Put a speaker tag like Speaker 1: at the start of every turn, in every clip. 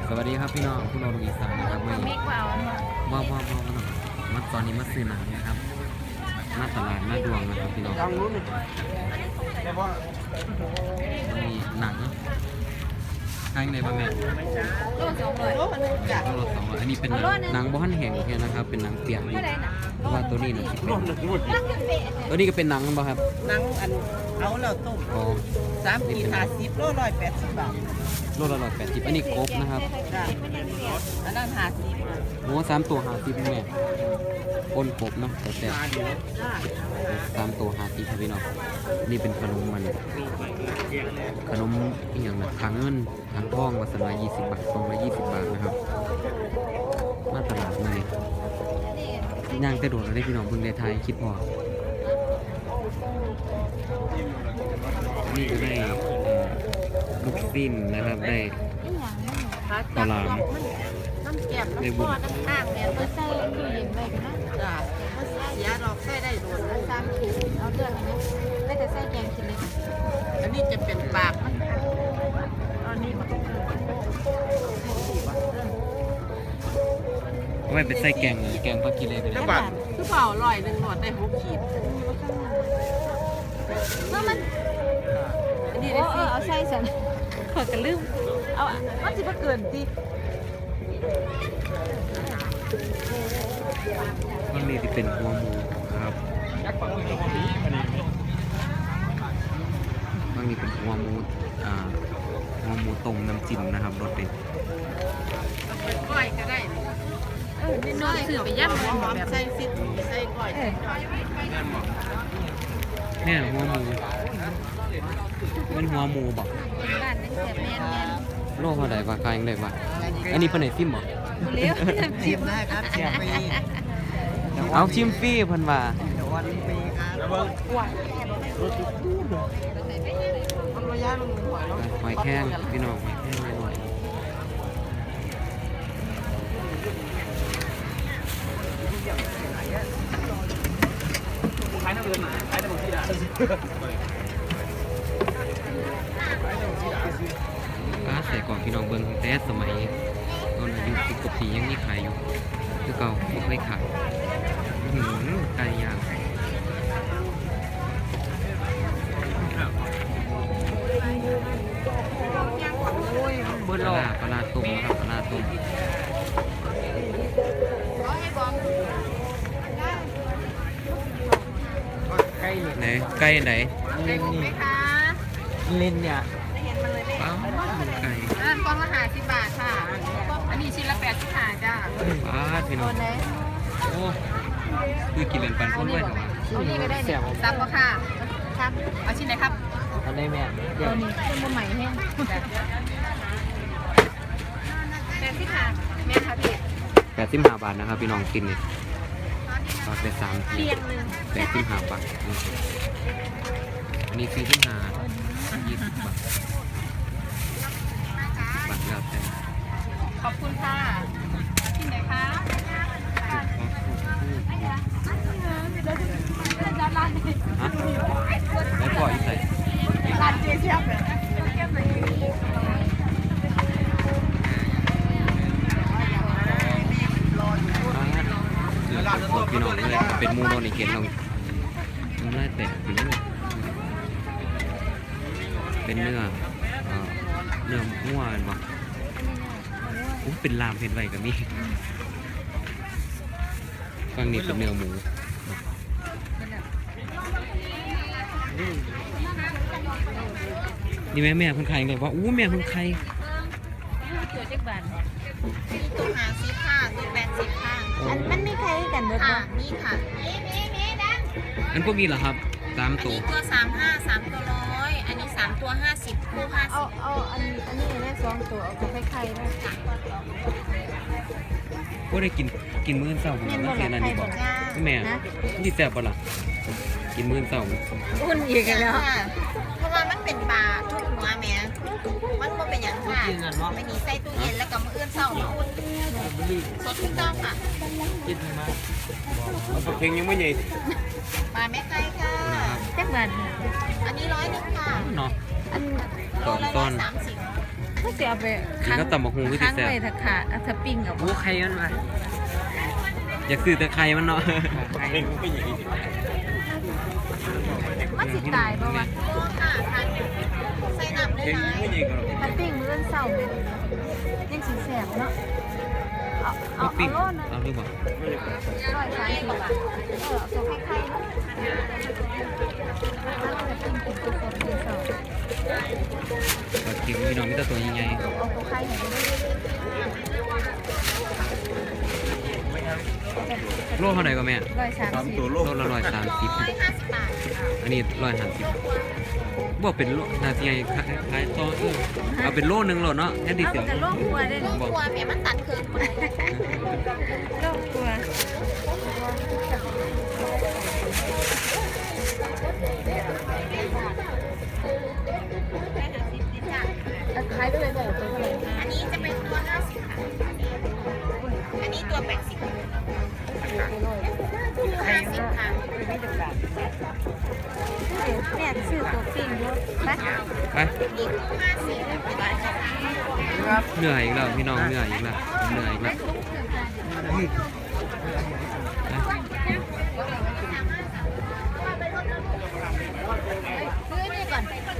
Speaker 1: สวัสดีครับพี่น้องผู้นอนอีสานนะครับไม่ว่ามาตอนนี้มาซื้อหนังนะครับมาตลาดหน้าดวงนะครับพี่น้องมีหนังข้างในบ้างแม่
Speaker 2: โล200โลนึงจ้ะ
Speaker 1: โลละ200อันนี้เป็นหนังบ้านแห่งแค่นะครับเป็นหนังเปียกนี่เพราะว่าตัวนี้นะตัวนี้ก็เป็นหนังบ่ครับ
Speaker 2: หนังอันเอาเราต้ม
Speaker 1: อ๋อ
Speaker 2: 3 ขีด50โล180 บาท
Speaker 1: โลละ180อันนี้กบนะครับ
Speaker 2: จ้ะอันนั้น50
Speaker 1: โอ้3 ตัว50แม่ปนกบเนาะแต่3 ตัว50ครับพี่น้องนี่เป็นขนมมันขนมอีกอย่างนะถังเงินถังทองวัสดุ20 บาท220 บาทนะครับมาตลาดมาเนี่ยย่างแต่โดดเราได้พี่น้องเพิ่งได้ทายคิดพอนี่ก็ได้ลูกสิ้นนะครับได้ปลาหลาม
Speaker 2: น้ำแก้มน้ำปอดน้ำข้างเนี่ยมาใส่ตู้เย็นไว้กันนะจ้ะมาใส่ยาดอกใส่ได้โดนแล้ว3 ขีดเอาเดือนนี้ไม่แต่ใส่แกงกินเลยอันนี้จะเป็นปากมันอันนี้มัน
Speaker 1: ไม่เป็นไส้แกงเลยแกงปลากิเลไปเลย
Speaker 2: คือเปล่า100หนวดได้6 ขีดเมื่อมันอันนี้ได้เอาใส่สันขอกระลืมเอามันจะมาเกินดิ
Speaker 1: มันนี่ที่เป็นหัวหมูครับมันนี่เป็นหัวหมูหัวหมูต้มน้ำจิ้มนะครับรสเด็ด
Speaker 2: ก้อยก็ได้นี่น้อยสื่อไปย่ำหอมใส่ซิดใส่ก้อย
Speaker 1: เนี่ยหัวหมูเป็นหัวหมูบอกโลเท่าไหร่ว่าขายยังไงวะอันนี้เป็นไหนซิมบอก
Speaker 2: ชิมได้ครับชิมฟรี
Speaker 1: เอาชิมฟรีพันว่า
Speaker 2: วันฟรีครับ
Speaker 1: หอยแข้งพี่น้องหอยแข้งหน่อยขายน้ำเงินขายน้ำมันที่ด่าใส่กล่องพี่น้องเบิ้งแต่สมัยตอนอายุ10 กว่าปียังมีขายอยู่คือเก่าไม่เคยขายไก่ย่างปลาตุ่มครับปลาตุ่มไหนไก่ไหน
Speaker 2: เล่นนี่
Speaker 1: เล่นเนี่ยป้าไก่
Speaker 2: กล่องละ50 บาทค่ะอันนี้ชิ้นละ80 บาทจ้า
Speaker 1: ป้าพี่น้องโอ้คือกินเล่นปันพุ่นด้วยเหรอวะ
Speaker 2: อันนี้ก็ได้เนี่ยซับก็ค่ะครับเอาชิ้นไหนครับ
Speaker 1: อันนี้แม่
Speaker 2: เดี๋ยวนี้เป็นใหม่แห้ง80 บาทแม่ครับพี่
Speaker 1: 85 บาทนะครับพี่น้องกินเนี่ยปากไป3ที85 บาทอันนี้45 20 บาทบัตรแล้วแต่
Speaker 2: ขอบคุณค่ะที่ไหนคะ
Speaker 1: ฮะแล้วปล่อยใส่
Speaker 2: ร้านเจี๊ยบเลย
Speaker 1: เดี๋ยวสดพี่น้องเลยเป็นมูโนนิเกตลงมันไล่แตกไปเลยเป็นเนื้อหัวกันบ่เป็นลามเห็นไว้กับนี่ฟังนี่เป็นเนื้อหมูนี่แม่คนไข่ไงว่าแม่คนไข่
Speaker 2: ตัวเจ็กบาทตัว50 ค่ะตัว80 ค่ะมันมีใครกันด้วยค่ะนี่ค่ะนี่ดัง
Speaker 1: อันพวกนี้เหรอครับ3 ตัว
Speaker 2: ตัว35 3 ตัว100อันนี้3 ตัว50คู่50เอาอันนี้ได้2 ตัวเอาไปไข่ได้ค่ะ
Speaker 1: ก็ได้กินมื้อเช้าผมแล้วเสียนั่นนี่บอกแม่ที่แซ่บป่ะล่ะกินมื้อเช้า
Speaker 2: อุ่นอีกแล้วเพราะว่ามันเป็นปลาทุกหัวแม่มันบ่เป็นอย่างค่ะไม่มีใส่ตู้เย็นแล้วก็มื้อเช้ามาอุ่นสดทุกต้องค่ะ
Speaker 1: กินมาเพลงยังไม่ใหญ่
Speaker 2: ปลาแม่ไก่ค่ะจักบาทอันนี้100 นึงค่ะ
Speaker 1: เนาะ
Speaker 2: อัน
Speaker 1: 2 ต้น
Speaker 2: 30 ก็จะเอาไป
Speaker 1: กินก็ตำบักหุ่งคือสิ
Speaker 2: ค้าง
Speaker 1: แซ่บ
Speaker 2: ไว้ถ้าขาดถ้าปิ้งเอา
Speaker 3: โอ้ใครมันมา
Speaker 1: อยากซื้อแต่ไข่มันเนาะ
Speaker 2: มันสิตายบ่วะใส่น้ำได้ไหมถ้าปิ้งมื้อเช้าเลยยังสิแซ่บเนาะเอา
Speaker 1: ปิ้ง
Speaker 2: โลนึง
Speaker 1: เอาหรือเปล่า
Speaker 2: 130 บาทเอาตัวไข่ๆเนาะ
Speaker 1: ปลาเค็มพี่น้องมีแต่ตัวใหญ่
Speaker 2: เอาตัวไข่ให้ได้
Speaker 1: ๆโลเท่าไหร่ก็แม่
Speaker 2: 130
Speaker 1: โลละ130
Speaker 2: 150 บาท
Speaker 1: อันนี้150บ่เป็นโลน่าสิให้ขายต่อเอาเป็นโลนึงโลเนาะแค่ดี
Speaker 2: เอา
Speaker 1: เสีย
Speaker 2: แต่โลกลัวได้
Speaker 1: บอก
Speaker 2: กลัวแม่มันตัดคืนโลกกลัวขายไปเลยแบบตัวเท่าไหร่อันนี้จะเป็นตัว50ค่ะอันนี้ตัว80ค่ะ50ค่ะเนี่ยซื้อตัวปิ้งด้วยไป
Speaker 1: ไป
Speaker 2: อีก50ได้ค่ะ
Speaker 1: เหนื่อยอีกแล้วพี่น้องเหนื่อยอีกแล้วเหนื่อยอีกแล้ว
Speaker 2: ซื้อนี่ก่อน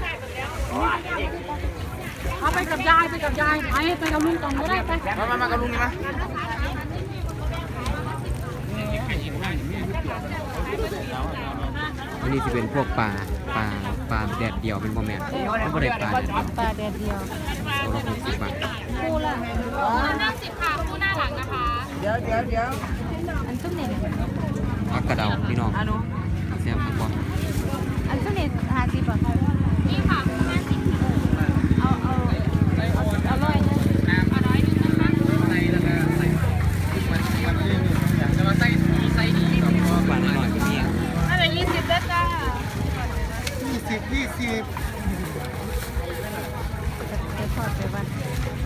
Speaker 4: เอาไปกับยายไปกับลุงตองก็ได้ไป
Speaker 3: มากับลุงนี่มา
Speaker 1: อันนี้จะเป็นพวกปลาแดดเดียวเป็นบ่แม่นมันบ่ได้ปลาแดดเดียว
Speaker 2: ปลาแดดเดียว
Speaker 1: ตัวละ60 บาท
Speaker 2: คู่ละ
Speaker 4: 50ค่ะคู่หน้าหลังนะคะ
Speaker 2: อันตุ้มเนี่ย
Speaker 1: ผักกระเดาพี่น้องแซ่บมากบ่
Speaker 2: อันตุ้มเนี่ย50 บาท
Speaker 4: นี่ค่ะ50
Speaker 2: เอาร้อยนะ
Speaker 4: เอาร้อยนึงนะคะ
Speaker 1: ปลาน้อยๆก็มี
Speaker 4: อันนี้20ได้จ้า
Speaker 2: ไปทอดไปวัด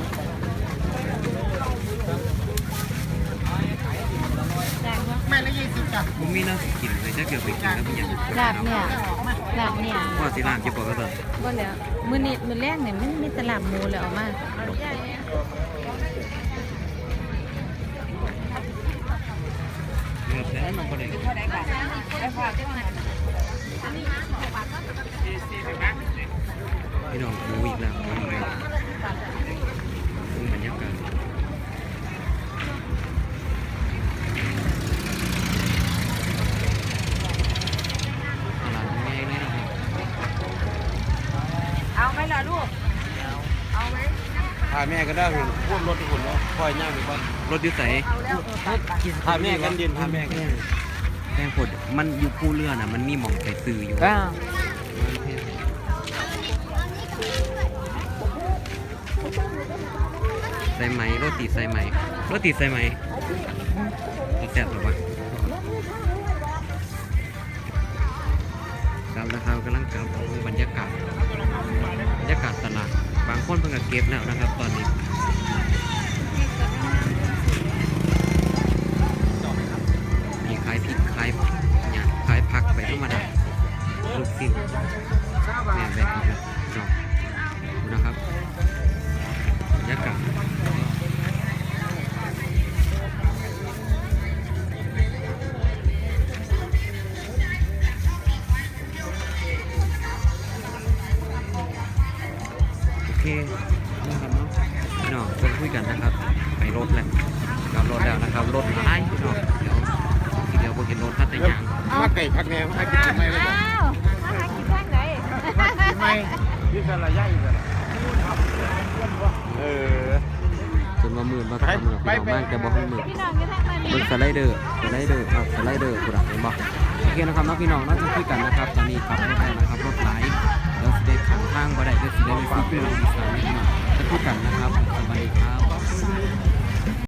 Speaker 2: แดงวะ
Speaker 1: บ่มีน้ำสิกินเลยจักเดี๋ยวไปกินแล้วเป็นหยัง
Speaker 2: ลาบเนี่ย
Speaker 1: ว่าสิร้านจะบอกก็เถอะ
Speaker 2: บ่แล้วมื้อนี้มื้อแรกเนี่ยมันมีตลาดหมูแล้วเอามา
Speaker 1: เลือกแต่มันบ่ได้พี่น้องหมูอีกแล้วหมูอีกแล้วดูบรรยากาศตลาดง่ายเลยนะครับ
Speaker 2: เอาไหมล่ะลูกเอาไหม
Speaker 3: พาแม่ก็ได้หุ่นพูดรถที่หุ่นเนาะคอยย่างไปบ้าน
Speaker 1: รถอยู่ไส
Speaker 2: เอาแล้ว
Speaker 3: พาแม่กันเดินพาแม่กัน
Speaker 1: แพงผดมันอยู่ภูเรือน่ะมันมีหม่องไปซื้ออยู่ใส่ไหมโรตีใส่ไหมโรตีใส่ไหมจะแซ่บหรือเปล่าครับนะครับกำลังกลับบรรยากาศตลาดบางคนเพิ่งจะเก็บแล้วนะครับตอนนี้มีขายพริกขายเนี่ยขายผักไปธรรมดาลูกชิ้นแม่แบบนี้นะดูนะครับบรรยากาศโอเคนะครับเนาะพี่น้องก็คุยกันนะครับไปรถแหละกลับรถแล้วนะครับรถหลายพี่น้องเดี๋ยวพวกเห็นรถพัดแต่ยาง
Speaker 3: มาไก่พักแนวให้กินทำไมเลย
Speaker 2: อ้าวมาหากินทางไหน
Speaker 3: ทำไมที่สระย่ายกัน
Speaker 1: จนว่ามืดมาทำหรอกพี่น้องมากแต่บอกให้มืด
Speaker 2: พี่น้องอยู่ทางไหน
Speaker 1: เบิ่งสไลเดอร์ครับสไลเดอร์กูดักเห็นบ่โอเคนะครับน้องพี่น้องน่าจะคุยกันนะครับตอนนี้ครับรถได้นะครับรถไหลแล้วสิได้ขังทางบ่ได้ก็สิได้ไปซื้อเป็นอีสานนี่พี่น้องจะคุยกันนะครับสวัสดีครับ